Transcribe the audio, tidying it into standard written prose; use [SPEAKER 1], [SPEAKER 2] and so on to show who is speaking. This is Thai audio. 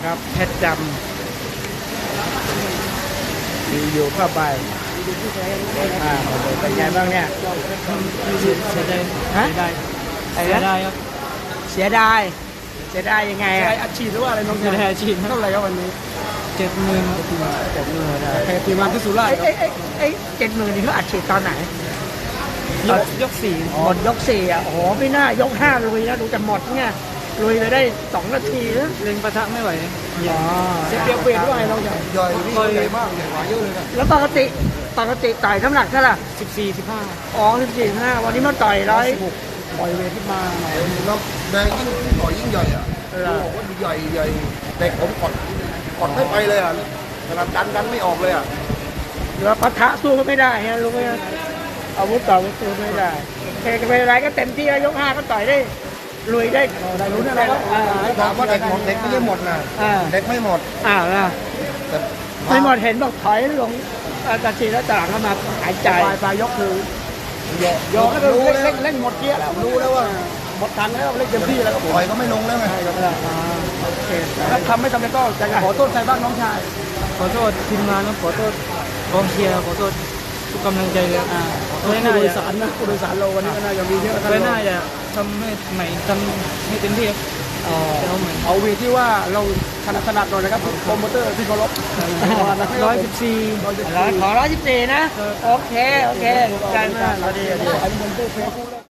[SPEAKER 1] ครับเพชรดำอยู่เข้าไปเป็นไงบ้างเนี่ย
[SPEAKER 2] เสียดาย
[SPEAKER 1] ฮะ
[SPEAKER 2] เสียดายครับ
[SPEAKER 1] เสียดายเสียดายยังไง
[SPEAKER 3] ใช่
[SPEAKER 1] อ่ะ
[SPEAKER 3] อัดฉีดหรือว่าอะไรน้อง
[SPEAKER 2] เสียดายอาชีพ
[SPEAKER 3] เท่าไหร่ครับวันนี้
[SPEAKER 2] 70,000
[SPEAKER 3] แพ้ทีมงานที่สุราษฎร์ครับ
[SPEAKER 1] 70,000นี่เขาอัดฉีดตอนไหน
[SPEAKER 2] ยก4
[SPEAKER 1] หมดยก4อ่ะโอ้โหไม่น่ายก5ลุยนะดูจะหมดเนี่ยลุยไปได้2 นาทีนะ
[SPEAKER 2] เล็งปะทะไม่ไหว
[SPEAKER 1] อ๋อ
[SPEAKER 3] เสียเปรียบเวทด้วยน้องใหญ่
[SPEAKER 4] ย่อยนี่ใหญ่มากใหญ่กว่าเยอะเลยนะ
[SPEAKER 1] แล้วปกติต่อยน้ำหนักเท่าไหร่
[SPEAKER 2] 14 15
[SPEAKER 1] อ๋อ14-15วันนี้มาต่อย100
[SPEAKER 3] ปล่อยเวทขึ้นมาหน่อย
[SPEAKER 4] แล้วแดงยิ่งต่อยยิ่งใหญ่อ่ะโอ้โหใหญ่ใหญ่เด็กผมกดไม่ไปเลยอ่ะขนาดดันไม่ออกเลยอ่ะ
[SPEAKER 1] แล้วปะทะสู้ก็ไม่ได้ฮะรู้ไหมอาวุธต่ออาวุธสู้ไม่ได้โอเคก็ไม่เป็นไรก็เต็มที่แล้วยก5ก็ต่อยได้ลุยได้
[SPEAKER 3] ได้ลุ้นอะไรครับ
[SPEAKER 4] ถามว่าเด็กหมดเด็กไม่ได้หมดนะ
[SPEAKER 1] อ่า
[SPEAKER 4] เด็กไม่หมด
[SPEAKER 1] อ้าวนะ
[SPEAKER 4] แต่
[SPEAKER 1] ไม่หมดเห็นบอกถอยลงตัดทีแล้วตหลังก็มาหายใจ
[SPEAKER 3] ปลายยกคือ
[SPEAKER 4] โย
[SPEAKER 3] ย
[SPEAKER 4] ก
[SPEAKER 3] กก็คือ
[SPEAKER 4] รู้แล้ว
[SPEAKER 3] เล่นหมดเกียร์แล้ว
[SPEAKER 4] รู้แล้วว่า
[SPEAKER 3] หมดทันแล้วเล่นเต็มที่แล้วครับผม
[SPEAKER 4] ต่อยก็ไม่ลงแล้วไง
[SPEAKER 1] โอเค
[SPEAKER 3] ถ้าทำไม่สำเร็จก็จะขอโทษใครบ้างน้องชาย
[SPEAKER 2] ขอโทษทีมงานครับขอโทษกองเชียร์ขอโทษทุกกำลังใจเลย
[SPEAKER 3] ผู้
[SPEAKER 2] ไม่น่า
[SPEAKER 3] โดย
[SPEAKER 2] จะ
[SPEAKER 3] สารนะผู้โดยสารเราวันนี้ก็น่าจะมีเยอะ
[SPEAKER 2] ไม่น่าจะทำให้ใหม่ทำให้เต็มที่ครับจะเอาใหม่
[SPEAKER 3] เอาเวทที่ว่าเราถนัดหน่อยนะครับโปรโมเตอร์ที่เคารพ
[SPEAKER 2] 114
[SPEAKER 1] ขอ114นะโอเคใจมากเราดี
[SPEAKER 3] อันนี้ผมพูดแพ้คู่แรก